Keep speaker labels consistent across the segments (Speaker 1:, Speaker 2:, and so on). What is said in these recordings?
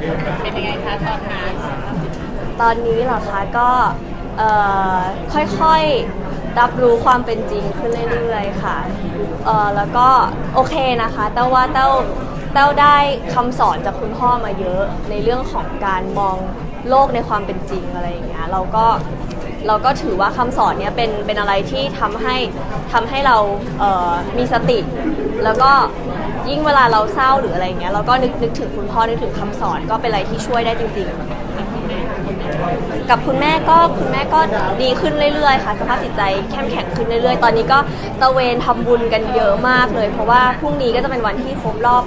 Speaker 1: เป็นยังไงคะตอนนั้น
Speaker 2: ตอนนี้เหรอคะก็ค่อยๆรับรู้ความเป็นจริงขึ้นเรื่อยๆค่ะแล้วก็โอเคนะคะแต่ว่าเต้าได้คำสอนจากคุณพ่อมาเยอะในเรื่องของการมองโลกในความเป็นจริงอะไรอย่างเงี้ยเราก็ถือว่าคำสอนเนี้ยเป็นอะไรที่ทำให้เรามีสติ แล้วก็ยิ่งเวลาเราเศร้าหรืออะไรเงี้ยเราก็นึกถึงคุณพ่อนึกถึงคำสอนก็เป็นอะไรที่ช่วยได้จริงๆกับคุณแม่ก็ดีขึ้นเรื่อยๆค่ะสภาพจิตใจเข้มแข็งขึ้นเรื่อยๆตอนนี้ก็ตะเวนทำบุญกันเยอะมากเลยเพราะว่าพรุ่งนี้ก็จะเป็นวันที่ครบรอบ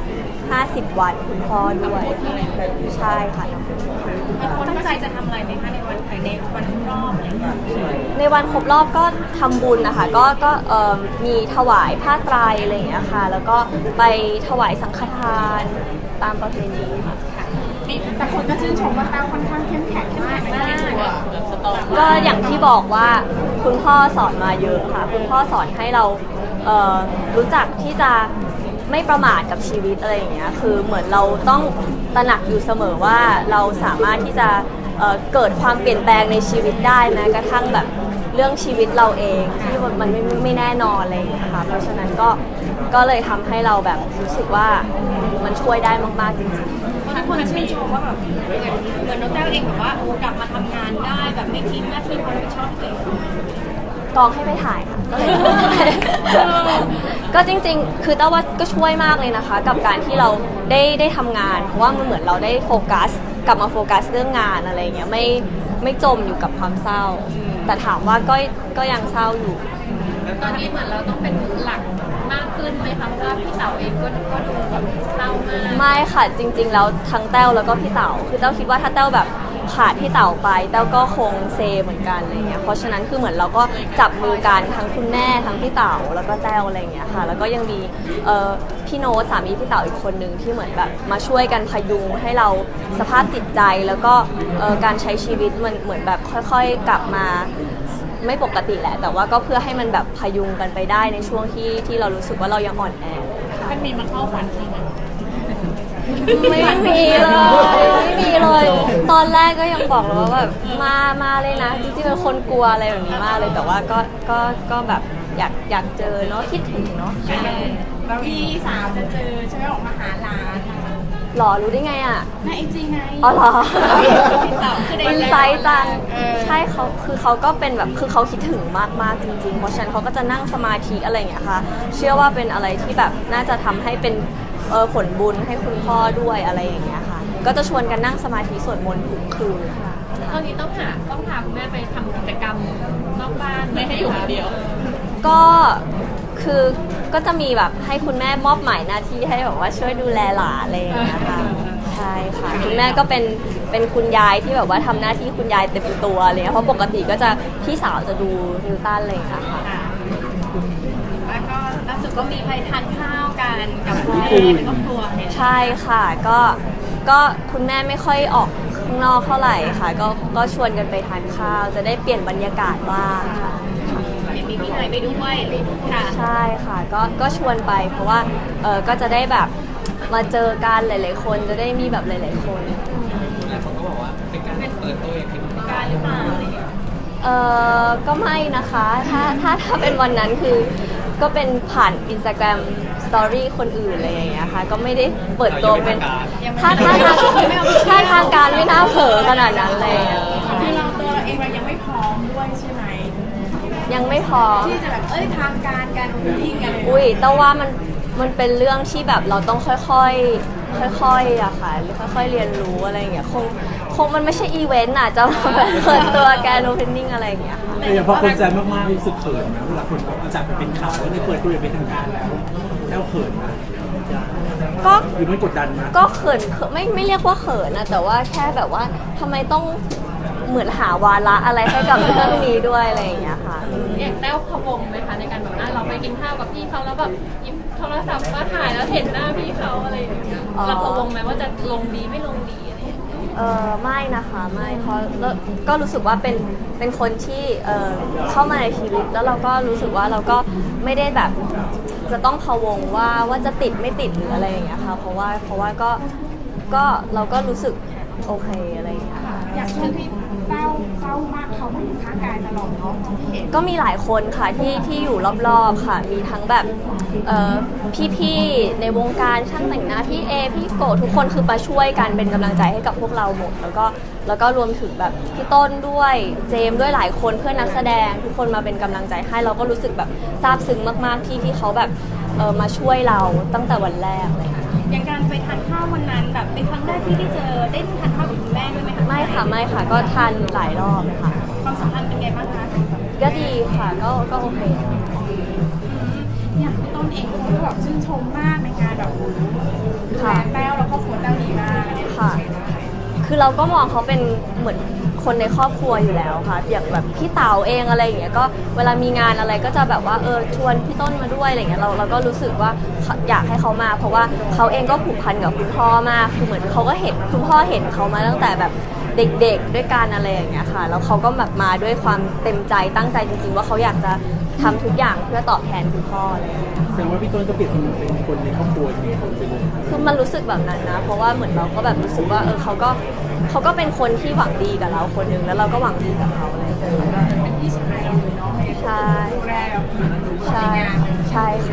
Speaker 2: 50 วันคุณพ่อด้วยใช่ค่ะ
Speaker 1: ตั้งใจจะทำอะไรไหมคะในวันครบรอบอะไรอย่างเงี้ย
Speaker 2: ในวันครบรอบก็ทำบุญนะคะก็มีถวายผ้าไตรอะไรอย่างเงี้ยค่ะแล้วก็ไปถวายสังฆทานตามประเพณีค่ะ
Speaker 1: แต่คนก็ชื่นชมว่าแต้วค่อนข้างเข้มแข็งมาก
Speaker 2: ก็อย่างที่บอกว่าคุณพ่อสอนมาเยอะค่ะคุณพ่อสอนให้เรารู้จักที่จะไม่ประมาทกับชีวิตอะไรอย่างเงี้ยคือเหมือนเราต้องตระหนักอยู่เสมอว่าเราสามารถที่จะเกิดความเปลี่ยนแปลงในชีวิตได้แม้กระทั่งแบบเรื่องชีวิตเราเองที่มันไม่แน่นอนอะไรอย่างเงี้ยค่ะเพราะฉะนั้นก็เลยทำให้เราแบบรู้สึกว่ามันช่วยได้มากๆจริงๆ
Speaker 1: ทุกคนชื่นชมว่าแบบเหมือนน้องแต้วเองแบบว่ากลับมาทำงานได้แบบไม่ทิ้งหน้าที่ความรับผิดชอบตัวเอง
Speaker 2: กองให้ไปถ่ายค่ะก็เลยก็จริงๆคือแต่ว่าก็ช่วยมากเลยนะคะกับการที่เราได้ทำงานเพราะว่ามันเหมือนเราได้โฟกัสกลับมาโฟกัสเรื่องงานอะไรเงี้ยไม่จมอยู่กับความเศร้าแต่ถามว่าก็ยังเศร้าอยู่
Speaker 1: ตอนนี้เหมือนเราต้องเป็นหลักมากขึ้นไหมคะเพราะว่าพี่เต๋าเองก็ดูแบบเศร้ามาก
Speaker 2: ไม่ค่ะจริงๆแล้วทั้งแต้วแล้วก็พี่เต๋าคือแต้วคิดว่าถ้าแต้วแบบขาดพี่เต๋าไปแต้วก็คงเซเหมือนกันอะไรเงี้ยเพราะฉะนั้นคือเหมือนเราก็จับมือกันทั้งคุณแม่ทั้งพี่เต๋าแล้วก็แต้วอะไรเงี้ยค่ะแล้วก็ยังมีพี่โน้ตสามีพี่เต๋าอีกคนนึงที่เหมือนแบบมาช่วยกันพยุงให้เราสภาพจิตใจแล้วก็การใช้ชีวิตมันเหมือนแบบค่อยๆกลับมาไม่ปกติแหละแต่ว่าก็เพื่อให้มันแบบพยุงกันไปได้ในช่วงที่เรารู้สึกว่าเรายังอ่อนแอ
Speaker 1: มันมีมาเข้าฝันใช่ไหม
Speaker 2: ไม่มีเลยตอนแรกก็ยังบอกเลยว่าแบบมาเลยนะจริงๆเป็นคนกลัวอะไรแบบนี้มากเลยแต่ว่าก็แบบอยากเจอเนาะคิดถึงเนาะ
Speaker 1: พี่สาวจะเจอใช่ไหมออกมาหาร้าน
Speaker 2: หรอรู้ได้ไงอ่ะ
Speaker 1: ในไอจีไง
Speaker 2: อ๋อเหรอ
Speaker 1: คือ
Speaker 2: อินไซต์จังใช่เขาก็เป็นแบบคือเขาคิดถึงมากๆจริงๆเพราะฉะนั้นเขาก็จะนั่งสมาธิอะไรอย่างเงี้ยค่ะเชื่อว่าเป็นอะไรที่แบบน่าจะทำให้เป็นผลบุญให้คุณพ่อด้วยอะไรอย่างเงี้ยค่ะก็จะชวนกันนั่งสมาธิสวดมนต์ทุกคืนค่ะ
Speaker 1: ตอนนี้ต้องพาคุณแม่ไปทำกิจกรรมนอกบ้านไม่ให้อยู่คนเดียว
Speaker 2: ก็คือก็จะมีแบบให้คุณแม่มอบหมายหน้าที่ให้แบบว่าช่วยดูแลหลานอะไรอย่างเงี้ยค่ะใช่ค่ะคุณแม่ก็เป็นคุณยายที่แบบว่าทำหน้าที่คุณยายเต็มตัวเลยเพราะปกติก็จะพี่สาวจะดูนิวตันเลยค่ะ
Speaker 1: แล้วก็ล่าสุดก็มีไปทานข้าวกันกับแม่ในครอบครัว
Speaker 2: ใช่ค่ะก็คุณแม่ไม่ค่อยออกข้างนอกเท่าไหร่ค่ะก็ชวนกันไปทานข้าวจะได้เปลี่ยนบรรยากาศบ้างค่ะ
Speaker 1: มีพี่นายไปด้วยค่ะ
Speaker 2: ใช่ค่ะก็ชวนไปเพราะว่าก็จะได้แบบมาเจอกันหลายๆคนจะได้มีแบบหลายๆคน
Speaker 3: หลายคนก็บอกว่าเป็นการเปิดตัวอย่างเป็นทางการ
Speaker 1: หรือเปล่าอะไรอย่างเงี้ย
Speaker 2: ก็ไม่นะคะถ้าเป็นวันนั้นคือก็เป็นผ่าน Instagram Story คนอื่นอะไรอย่างเงี้ยค่ะก็ไม่ได้เปิดตัวเป็นถ้าทางการไม่น่าเผลอขนาดนั้นเลย
Speaker 1: คือเราตัวเราเองเรายังไม่พร้อมด้วยใช่ไหม
Speaker 2: ยังไม่พอ
Speaker 1: ที่จะแบบทางการวิ่งกัน
Speaker 2: อุ้ยแต่ว่ามันเป็นเรื่องที่แบบเราต้องค่อยอะค่ะค่อยๆเรียนรู้อะไรอย่างเงี้ยคงมันไม่ใช่อีเวนต์อะจะแบบเปิดตัวแกนโอเพนนิ่งอะไรอย่างเงี้ย
Speaker 3: แต่อย่างพอคนแซมมากๆรู้สึกเขินนะเวลาคนเอาจากเป็นข่าวแล้วได้เปิดตัวอย่างเป็นทางการแล้วเขินนะ
Speaker 2: ก็
Speaker 3: หรือมันกดดันนะ
Speaker 2: ก็เขินไม่เรียกว่าเขินนะแต่ว่าแค่แบบว่าทำไมต้องเหมือนหาวาระอะไรให้กับเรื่องนี้ด้วยอะไรอย่างเงี้ยค่ะ
Speaker 1: อย่างแต้วพะวงไหมคะในการแบบเราไปกินข้าวกับพี่เขาแล้วแบบหยิบโทรศัพท์มาถ่ายแล้วเห็นหน้าพี่เขาอะไรอย่างเงี้ยเราพะวงไหมว่าจะลงดีไม่ลงดีอะไร
Speaker 2: ไม่นะคะไม่เพราะก็รู้สึกว่าเป็นคนที่เข้ามาในชีวิตแล้วเราก็รู้สึกว่าเราก็ไม่ได้แบบจะต้องพะวงว่าจะติดไม่ติดหรืออะไรอย่างเงี้ยค่ะเพราะว่าก็ก็เราก็รู้สึกโอเคอะไรอย่างเงี้ย
Speaker 4: อย่างช่วงที่เศร้ามากเขาไม่อยู่ข้างกายตลอดเนาะที่เห็น
Speaker 2: ก็มีหลายคนค่ะที่อยู่รอบๆค่ะ มีทั้งแบบพี่ๆในวงการช่างแต่งหน้าพี่เอพี่โกทุกคนคือมาช่วยกันเป็นกำลังใจให้กับพวกเราหมด แล้วก็รวมถึงแบบพี่ต้นด้วยเจมส์ด้วยหลายคนเพื่อนนักแสดงทุกคนมาเป็นกำลังใจให้เราก็รู้สึกแบบซาบซึ้งมากๆที่เขาแบบมาช่วยเราตั้งแต่วันแรกเลยค่ะ
Speaker 4: อย่างการไปทานข้าววันนั้นแบบเป็นครั้งแรกที่ได้เจอได้ทานข้าวกับคุณแม่ด้วยไหมคะ
Speaker 2: ไม่ค่ะก็ทานหลายรอบเลยค่ะ
Speaker 4: ความสัมพันธ์เป็นไงบ้างคะ
Speaker 2: ก็ดีค่ะก็โอเค
Speaker 4: อย่างพี่ต้นเองเขาก็แบบชื่นชมมากในการแบบดูแลแต้วแล้วก็ครัวแต้วดีมากอะไรอย่างเงี้ย
Speaker 2: ค่ะ คือเราก็มองเขาเป็นเหมือนคนในครอบครัวอยู่แล้วค่ะอย่างแบบพี่เต๋าเองอะไรอย่างเงี้ยก็เวลามีงานอะไรก็จะแบบว่าชวนพี่ต้นมาด้วยอะไรเงี้ยเราก็รู้สึกว่าอยากให้เขามา เพราะว่าเขาเองก็ผูกพันกับคุณพ่อมากคือเหมือนเขาก็เห็นคุณพ่อเห็นเขามาตั้งแต่แบบเด็กๆด้วยกันอะไรอย่างเงี้ยค่ะแล้วเขาก็แบบมาด้วยความเต็มใจตั้งใจจริงๆว่าเขาอยากจะทำทุกอย่างเพื่อตอบแทนคุณพ่ออะไรอย่างเงี้ย
Speaker 3: แสดงว่าพี่ต้นก็เปรียบเสมือนเป็นคนในครอบครัวที่คนเป็น
Speaker 2: คือมันรู้สึกแบบนั้นนะ เพราะว่าเหมือนเราก็แบบรู้สึกว่าเขาก็เป็นคนที่หวังดีกับเราคนหนึ่งแล้วเราก็หวังดีกับเขาอะไรอย่างเงี้ย
Speaker 4: เป็นพี่ชายเราเลยเนาะ
Speaker 2: ใช่
Speaker 4: ดูแลแบบ
Speaker 2: ใช่ใช่ค่ะ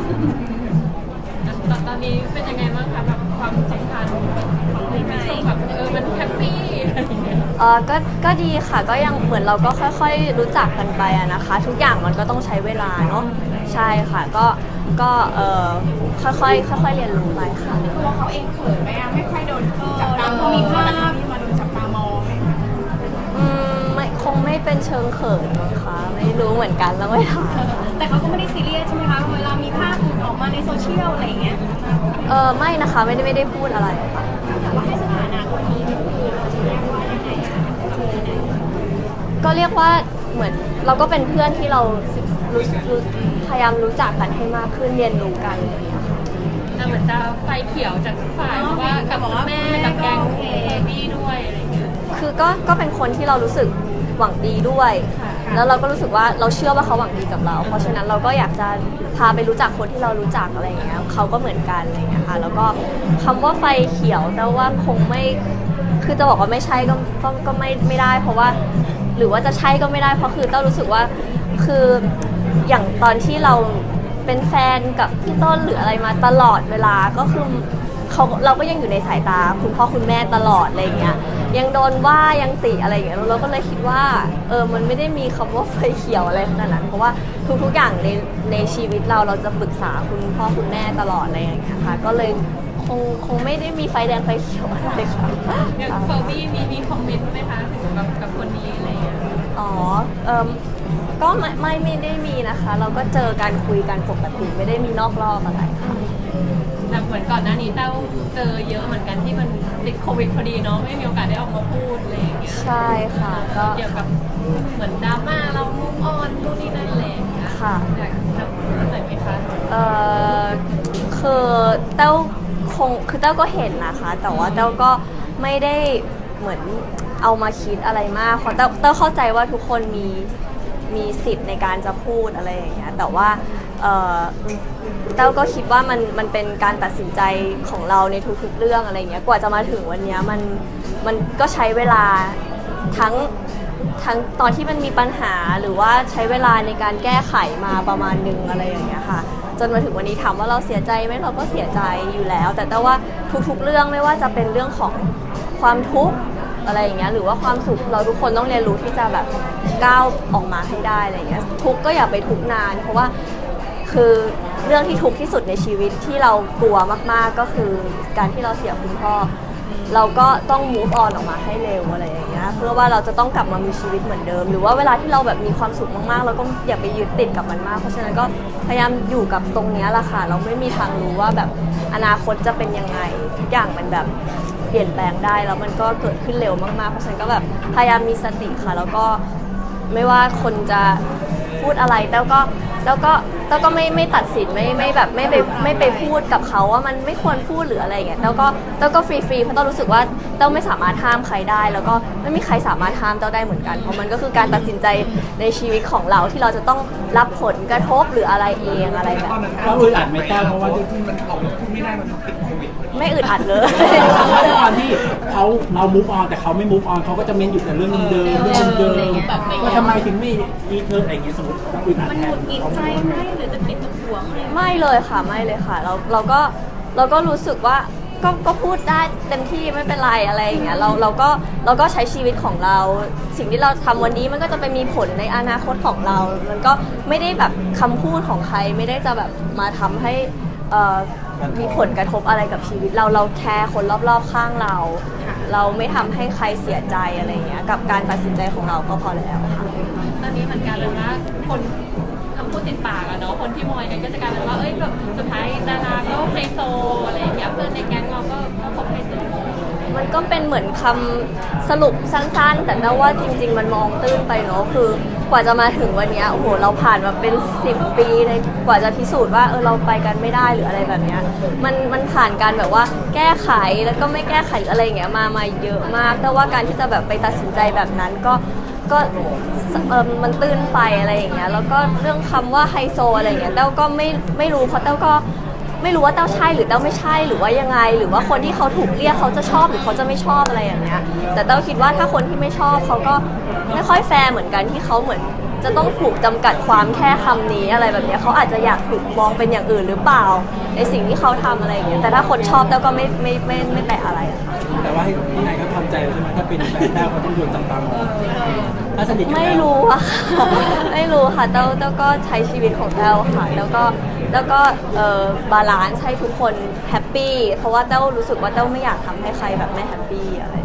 Speaker 1: ตอนนี้เป็นยังไงบ้างคะแบบความสัมพันธ์ของพี่แม่แบบมันแฮปปี้อะไรอย่างเงี้ย
Speaker 2: ก็ดีค่ะก็ยังเหมือนเราก็ค่อยๆรู้จักกันไปอะนะคะ ทุกอย่างมันก็ต้องใช้เวลาเนาะใช่ค่ะก็ค่อยๆเรียนรู้ไปค่ะ
Speaker 4: ตัวเขาเองเขินไหมอะไม่ค่อยโดนจับตามองมีภาพที่มาโดนจับตามองไหมคะ
Speaker 2: ไม่คงไม่เป็นเชิงเขินมั้งคะไม่รู้เหมือนกันแล้วไม่ถาม
Speaker 4: แต่เขาก็ไม่ได้ซีเรียสใช่ไหมคะเวลามีภาพหลุดออกมาในโซเชียลอะไรอย่างเงี้ย
Speaker 2: ไม่นะคะไม่ได้พูดอะไรค่ะ
Speaker 4: แต่ว่าให้สถานะคนนี้ก็คือเราจะเรียกว่ายังไงอะ
Speaker 2: ก็เรียกว่าเหมือนเราก็เป็นเพื่อนที่เรารู้พยายามรู้จักกันให้มากขึ้นเรียนรู้กันอะไรอย่างเงี้ยค่ะ
Speaker 1: แต่เหมือนจะไฟเขียวจากทุกฝ่ายเพราะว่ากับแม่กับแกงบี้ด้วยอะไรอย่างเงี้ย
Speaker 2: คือก็เป็นคนที่เรารู้สึกหวังดีด้วย แล้วเราก็รู้สึกว่าเราเชื่อว่าเขาหวังดีกับเรา เพราะฉะนั้นเราก็อยากจะพาไปรู้จักคนที่เรารู้จักอะไรอย่างเงี้ยเขาก็เหมือนกันอะไรอย่างเงี้ยค่ะ แล้วก็คำว่าไฟเขียวแต่ว่าคงไม่คือจะบอกว่าไม่ใช่ก็ไม่ได้ เพราะว่าหรือว่าจะใช่ก็ไม่ได้เพราะคือเต้ารู้สึกว่าคืออย่างตอนที่เราเป็นแฟนกับพี่ต้นหรืออะไรมาตลอดเวลาก็คือเราก็ยังอยู่ในสายตาคุณพ่อคุณแม่ตลอดอะไรอย่างเงี้ยยังโดนว่ายังติอะไรอย่างเงี้ยเราก็เลยคิดว่ามันไม่ได้มีคำว่าไฟเขียวอะไรขนาดนั้น เพราะว่าทุกๆอย่างในชีวิตเราจะปรึกษาคุณพ่อคุณแม่ตลอดอะไรอย่างเงี้ยค่ะก็เลยคงไม่ได้มีไฟแดงไฟเขียวอะไรค่ะ
Speaker 1: อย่างเฟอร์บี้มีคอมเมนต์ไหมคะถึงแบบกับคนนี้อะไรอย่างเงี้ย
Speaker 2: อ๋อก็ไม่ได้มีนะคะ เราก็เจอกันคุยกันปกติไม่ได้มีนอกรอบอะไรค่ะ
Speaker 1: แต่เหมือนก่อนหน้านี้เต้าเจอเยอะเหมือนกันที่มันติดโควิดพอดีเนาะไม่มีโอกาสได้ออกมาพูดอะไรอย่างเงี้ย
Speaker 2: ใช่ค่ะก็
Speaker 1: เกี่ยวกับเหมือนดราม่าเรามุกออนนู่นนี่นั่นอะไรอย่างเงี้ย
Speaker 2: ค่ะ
Speaker 1: อยากจะพูดหน่อยไหมคะ
Speaker 2: คือเต้าคือเต้าก็เห็นนะคะ แต่ว่าเต้าก็ไม่ได้เหมือนเอามาคิดอะไรมากเพราะเต้าเข้าใจว่าทุกคนมีสิทธิ์ในการจะพูดอะไรอย่างเงี้ยแต่ว่าเต้าก็คิดว่ามันเป็นการตัดสินใจของเราในทุกๆเรื่องอะไรเงี้ยกว่าจะมาถึงวันเนี้ยมันก็ใช้เวลาทั้งตอนที่มันมีปัญหาหรือว่าใช้เวลาในการแก้ไขมาประมาณนึงอะไรอย่างเงี้ยค่ะจนมาถึงวันนี้ถามว่าเราเสียใจไหมเราก็เสียใจอยู่แล้ว แต่ว่าทุกๆเรื่องไม่ว่าจะเป็นเรื่องของความทุกข์อะไรอย่างเงี้ยหรือว่าความสุขเราทุกคนต้องเรียนรู้ที่จะแบบก้าวออกมาให้ได้อะไรอย่างเงี้ยทุกข์ก็อย่าไปทุกข์นานเพราะว่าคือเรื่องที่ทุกข์ที่สุดในชีวิตที่เรากลัวมากๆก็คือการที่เราเสียคุณพ่อเราก็ต้อง move on ออกมาให้เร็วอะไรอย่างเงี้ยเพื่อว่าเราจะต้องกลับมามีชีวิตเหมือนเดิมหรือว่าเวลาที่เราแบบมีความสุขมากๆเราก็อย่าไปยึดติดกับมันมากเพราะฉะนั้นก็พยายามอยู่กับตรงเนี้ยแหละค่ะเราไม่มีทางรู้ว่าแบบอนาคตจะเป็นยังไงทุกอย่างมันแบบเปลี่ยนแปลงได้แล้วมันก็เกิดขึ้นเร็วมากๆเพราะฉะนั้นก็แบบพยายามมีสติค่ะแล้วก็ไม่ว่าคนจะพูดอะไรแล้วก็ไม่ตัดสินไม่แบบไม่ไปพูดกับเขาว่ามันไม่ควรพูดหรืออะไรอย่างเงี้ยแล้วก็ฟรีเพราะต้องรู้สึกว่าต้องไม่สามารถห้ามใครได้ แล้วก็ไม่มีใครสามารถห้ามเต้าได้เหมือนกันเพราะมันก็คือการตัดสินใจในชีวิตของเราที่เราจะต้องรับผลกระทบหรืออะไรเองอะไรแบบนี้
Speaker 3: เราอึดอัดไหมต้าเพราะว่าที่มันออกมาพูดไม่ได้มันติดโควิด
Speaker 2: ไม่อึดอัดเลย
Speaker 3: เพราะด้วยความที่เรามูฟออนแต่เขาไม่มูฟออนเขาก็จะเม้นอยู่แต่เรื่องเดิมเรื่องเดิมว่าทำไมถึงไม่อีเธออะไรอย่างเงี้ยสมมติเราอึดอัดแทนเขา
Speaker 1: หรือจะติดกับห่วงอะไร
Speaker 2: ไม่เลยค่ะไม่เลยค่ะเราก็รู้สึกว่าก็พูดได้เต็มที่ไม่เป็นไรอะไรอย่างเงี้ยเราก็ใช้ชีวิตของเรา สิ่งที่เราทำวันนี้มันก็จะไปมีผลในอนาคตของเรา มันก็ไม่ได้แบบคำพูดของใครไม่ได้จะแบบมาทำให้มีผลกระทบอะไรกับชีวิตเราแคร์คนรอบๆข้างเรา เราไม่ทำให้ใครเสียใจอะไรอย่างเงี้ยกับการตัดสินใจของเราก็พอแล้วค่ะ
Speaker 1: ตอนนี้เหมือนกันเลยนะคนคำพูดติดปากอะเนาะคนที่มอยกันก็จะกลายเป็นว่าเอ้ยแบบสุดท้ายดาราก็ไฮโซอะไรอย่างเงี้ยเพื่อนในแก๊งเราก็คบไฮโซ
Speaker 2: มันก็เป็นเหมือนคำสรุปสั้นๆ แต่ว่าจริงๆ มันมองตื้นไปเนาะคือกว่าจะมาถึงวันเนี้ยโอ้โหเราผ่านมาเป็น10 ปีในกว่าจะพิสูจน์ว่าเราไปกันไม่ได้หรืออะไรแบบเนี้ยมันผ่านการแบบว่าแก้ไขแล้วก็ไม่แก้ไขหรืออะไรอย่างเงี้ยมาเยอะมาก แต่ว่าการที่จะแบบไปตัดสินใจแบบนั้นก็มันตื้นไปอะไรอย่างเงี้ยแล้วก็เรื่องคำว่าไฮโซอะไรอย่างเงี้ยเต้าก็ไม่รู้เพราะเต้าก็ไม่รู้ว่าเต้าใช่หรือเต้าไม่ใช่หรือว่ายังไง หรือว่าคนที่เขาถูกเรียกเขาจะชอบหรือเขาจะไม่ชอบอะไรอย่างเงี้ยแต่เต้าคิดว่าถ้าคนที่ไม่ชอบเขาก็ไม่ค่อยแฟร์เหมือนกันที่เขาเหมือนจะต้องถูกจำกัดความแค่คำนี้อะไรแบบเนี้ยเขาอาจจะอยากถูกมองเป็นอย่างอื่นหรือเปล่าในสิ่งที่เขาทำอะไรอย่างเงี้ยแต่ถ้าคนชอบเต้าก็ไม่แตะอะไรอะค่ะ
Speaker 3: แต่ว่าให้ที่ไหนก็ทำใจใช่ไหมถ้าเป็นแฟนได้เขาต้องโดนจับตามองถ้าสนิทกัน
Speaker 2: ไม่
Speaker 3: แล้ว
Speaker 2: รู้อะค่ะ ไม่รู้ค่ะเต้าก็ใช้ชีวิตของเต้าค่ะแล้วก็บาลานซ์ให้ทุกคนแฮปปี้เพราะว่าเต้ารู้สึกว่าเต้าไม่อยากทำให้ใครแบบไม่แฮปปี้อะไร